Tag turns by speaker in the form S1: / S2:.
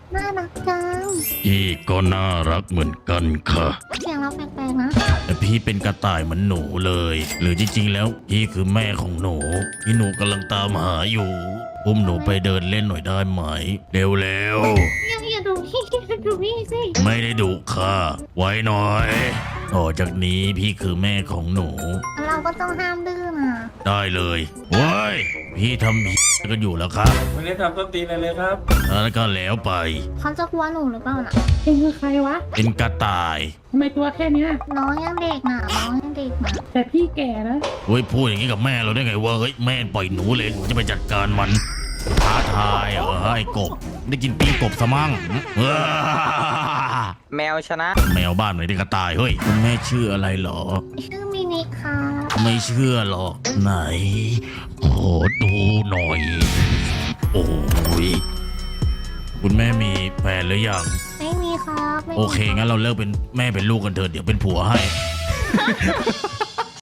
S1: น่ารักจัง
S2: พี่ก็น่ารักเหมือนกันค่ะ
S1: เสียงเราแปลกๆนะ
S2: แต่พี่เป็นกระต่ายเหมือนหนูเลย หรือจริงๆแล้วพี่คือแม่ของหนูที่หนูกำลังตามหาอยู่อุ้มหนูไปเดินเล่นหน่อยได้ไหมเร็ว
S1: อย่าดูพี่อย่าดูพี่สิ
S2: ๆไม่ได้ดุค่ะไว้หน่อยต่อจากนี้พี่คือแม่ของหนู
S1: เราก็ต้องห้ามดื้อนะ
S2: ได้เลยเว้ยพี่ทำกันอยู่แล้วครับ
S3: วันนี้ทำต้นตีนอะไรเลยครับ
S2: แล้วก็แล้วไป
S1: เขาจะกลัวหนูหรือเปล่าน่ะ
S4: เองคือใครวะ
S2: เป็นกระต่าย
S4: ทำไมตัวแค่เนี้ย
S1: น้องยังเด็กน่ะน้องยังเด็กน่ะ
S4: แต่พี่แก่นะ
S2: เฮ้ยพูดอย่างนี้กับแม่เราได้ไงวะเฮ้ยแม่ปล่อยหนูเลยหนูจะไปจัดการมันท้าทายเหรอไอ้กบได้กินปิ้งกบสมั่งว้า
S5: แมวชนะ
S2: แมวบ้านไหนได้กระต่ายเฮ้ยคุณแม่ชื่ออะไรเหรอ
S1: ชื่อมินิค่ะ
S2: ไม่เชื่อหรอกไหนขอดูหน่อย โอ้ยคุณแม่มีแฟนหรือยัง
S1: ไม่มีครับไม่มี
S2: โอเคงั้นเราเลิกเป็นแม่เป็นลูกกันเถอะเดี๋ยวเป็นผัวให้